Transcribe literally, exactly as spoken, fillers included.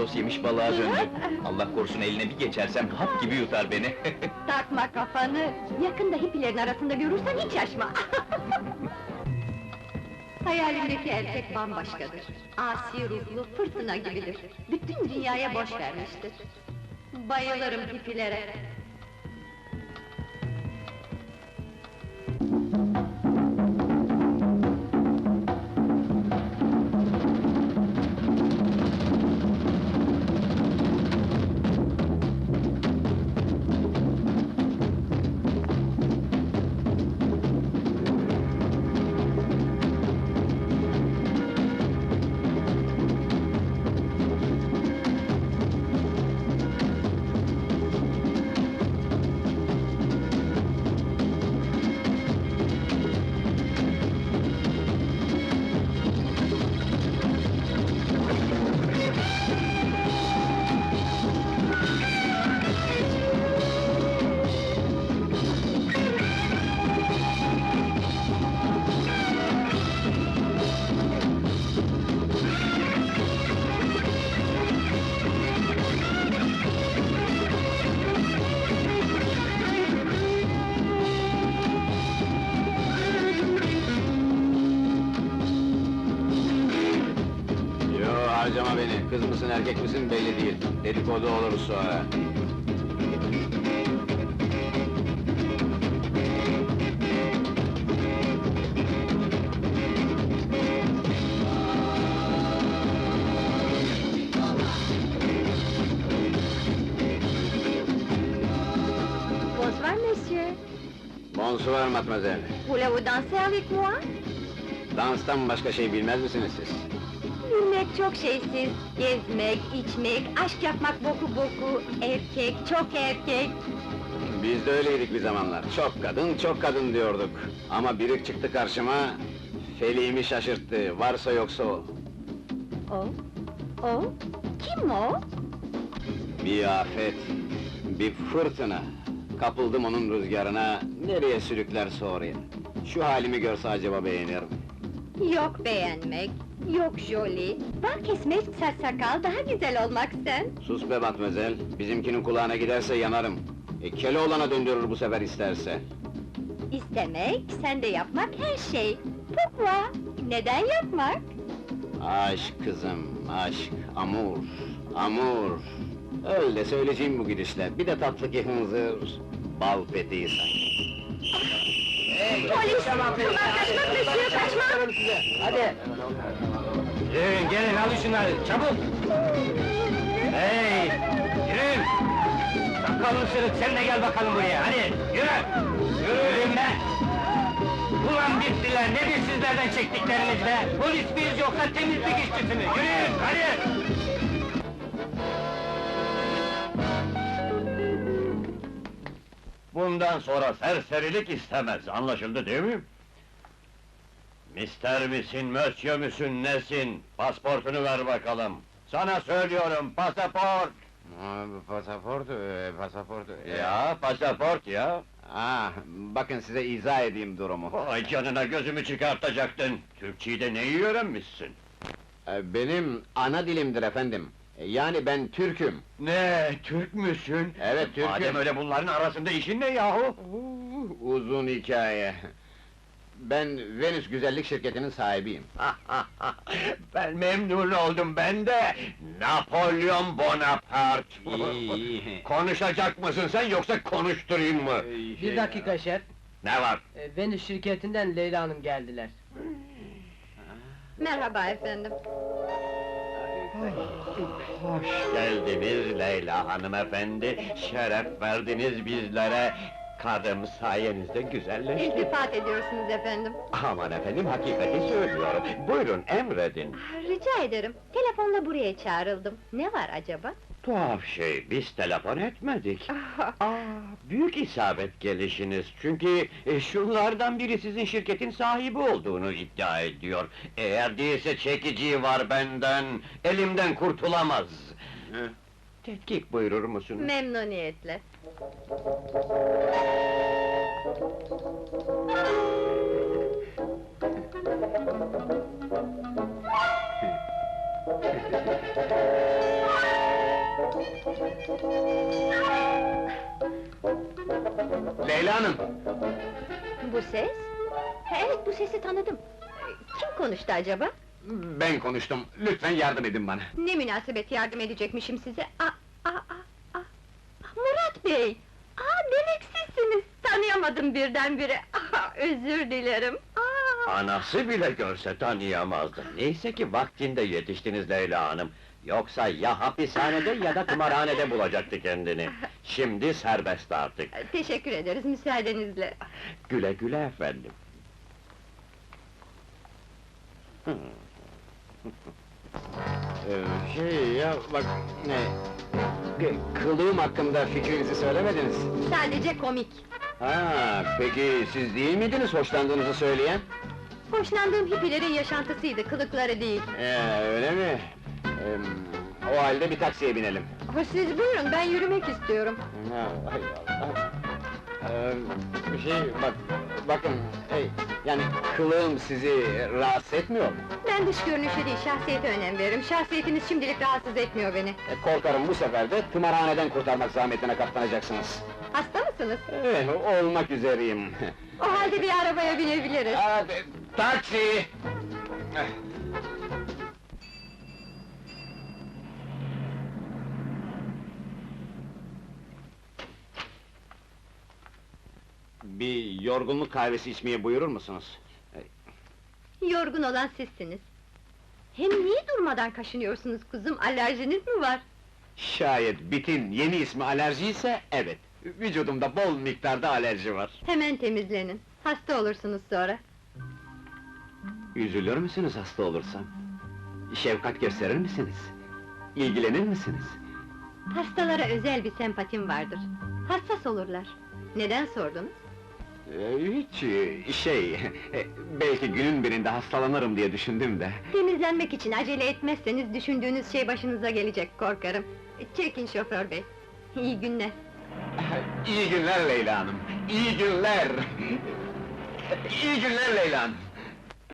istakoz yemiş balığa döndü. Allah korusun eline bir geçersem hap gibi yutar beni. Takma kafanı! Yakında hippilerin arasında görürsen hiç şaşma! Hayalimdeki erkek bambaşkadır. Asi ruhlu, fırtına gibidir. Bütün dünyaya boş vermiştir. Bayılırım hippilere. Harcama beni, kız mısın erkek misin belli değil. Dedikodu olur sonra. Bonsoir, monsieur! Bonsoir mademoiselle. Voulez-vous danser avec moi? Danstan başka şey bilmez misiniz siz? Bilmek çok şeysiz, gezmek, içmek, aşk yapmak boku boku, erkek, çok erkek! Biz de öyleydik bir zamanlar. Çok kadın, çok kadın diyorduk. Ama biri çıktı karşıma, feliğimi şaşırttı, varsa yoksa o. O? O? Kim o? Bir afet, bir fırtına. Kapıldım onun rüzgarına, nereye sürüklerse oraya. Şu halimi görse acaba beğenir mi? Yok beğenmek, yok joli, bal kesmek, sarsakal, daha güzel olmak sen! Sus be matmazel, bizimkinin kulağına giderse yanarım. E, Keloğlan'a döndürür bu sefer isterse. İstemek, sen de yapmak her şey! Pourquoi? Neden yapmak? Aşk kızım, aşk, amur, amur. Öyle söyleyeceğim bu gidişle, bir de tatlı ki hınzır, bal peteği sanki. Polis! Bunlar kaçmak monsieur, kaçmak! Hadi! Yürüyün, gelin, alın şunları, çabuk! Hey! Yürüyün! Sakallı sırık, sen de gel bakalım buraya, hadi! Yürü! Yürüyün be! Ulan bittiler, nedir sizlerden çektikleriniz be? Polis miyiz yoksa temizlik işçisi mi? Yürüyün, hadi! Bundan sonra serserilik istemez, anlaşıldı değil mi? Mister misin, monsieur müsün, nesin? Pasportunu ver bakalım! Sana söylüyorum, pasaport! Pasaport, e, pasaport... e, Ya, pasaport ya! Ah, bakın size izah edeyim durumu. Ay canına gözümü çıkartacaktın! Türkçeyi de neyi öğrenmişsin? E, Benim ana dilimdir efendim. E, Yani ben Türk'üm. Ne, Türk müsün? Evet, Türk'üm. Madem öyle bunların arasında işin ne yahu? Uh, Uzun hikaye. Ben Venüs Güzellik Şirketi'nin sahibiyim. Ben memnun oldum, ben de! Napolyon Bonaparte! İyi, iyi. Konuşacak mısın sen, yoksa konuşturayım mı? Ee, Bir dakika şef, Ne var? e, Venüs şirketinden Leyla Hanım geldiler. Merhaba efendim! Hoş geldiniz Leyla hanımefendi, şeref verdiniz bizlere! Karım sayenizde güzelleşti. İltifat ediyorsunuz efendim! Aman efendim, hakikati söylüyorum. Buyurun, emredin. Ah, rica ederim, telefonla buraya çağrıldım. Ne var acaba? Tuhaf şey, biz telefon etmedik. Aa, büyük isabet gelişiniz, çünkü e, şunlardan biri sizin şirketin sahibi olduğunu iddia ediyor. Eğer değilse çekiciyi var benden, elimden kurtulamaz. Hı. Tetkik buyurur musun? Memnuniyetle! Leyla Hanım! Bu ses? Evet, bu sesi tanıdım. Kim konuştu acaba? Ben konuştum, lütfen yardım edin bana. Ne münasebet yardım edecekmişim size? Aa, aa, aa, aa. Murat Bey! Aa, demek sizsiniz! Tanıyamadım birdenbire. Aa, özür dilerim. Aa. Anası bile görse tanıyamazdı. Neyse ki vaktinde yetiştiniz Leyla Hanım. Yoksa ya hapishanede ya da tımarhanede bulacaktı kendini. Şimdi serbest artık. Teşekkür ederiz, müsaadenizle. Güle güle efendim. Ee, şey ya, bak, ne... k- Kılığım hakkında fikrinizi söylemediniz. Sadece komik. Ha, peki siz değil miydiniz hoşlandığınızı söyleyen? Hoşlandığım hippilerin yaşantısıydı, kılıkları değil. Ee, öyle mi? Ee, o halde bir taksiye binelim. Ha, siz buyurun, ben yürümek istiyorum. Ha, hay Allah! Ee, bir şey, bak, bakın, hey, yani kılığım sizi rahatsız etmiyor mu? Ben dış görünüşe değil, şahsiyete önem veririm. Şahsiyetiniz şimdilik rahatsız etmiyor beni. E, korkarım bu sefer de tımarhaneden kurtarmak zahmetine katlanacaksınız. Hasta mısınız? Eh, olmak üzereyim. O halde bir arabaya binebiliriz. Hadi, taksi! Bir yorgunluk kahvesi içmeye buyurur musunuz? Yorgun olan sizsiniz. Hem niye durmadan kaşınıyorsunuz kuzum, alerjiniz mi var? Şayet bitin yeni ismi alerji ise evet. Vücudumda bol miktarda alerji var. Hemen temizlenin, hasta olursunuz sonra. Üzülür müsünüz hasta olursam? Şefkat gösterir misiniz? İlgilenir misiniz? Hastalara özel bir sempatim vardır. Hassas olurlar. Neden sordunuz? Ee, hiç e, şey, e, belki günün birinde hastalanırım diye düşündüm de. Temizlenmek için acele etmezseniz düşündüğünüz şey başınıza gelecek korkarım. Çekin şoför bey. İyi günler. İyi günler Leyla Hanım, iyi günler! İyi günler Leyla Hanım!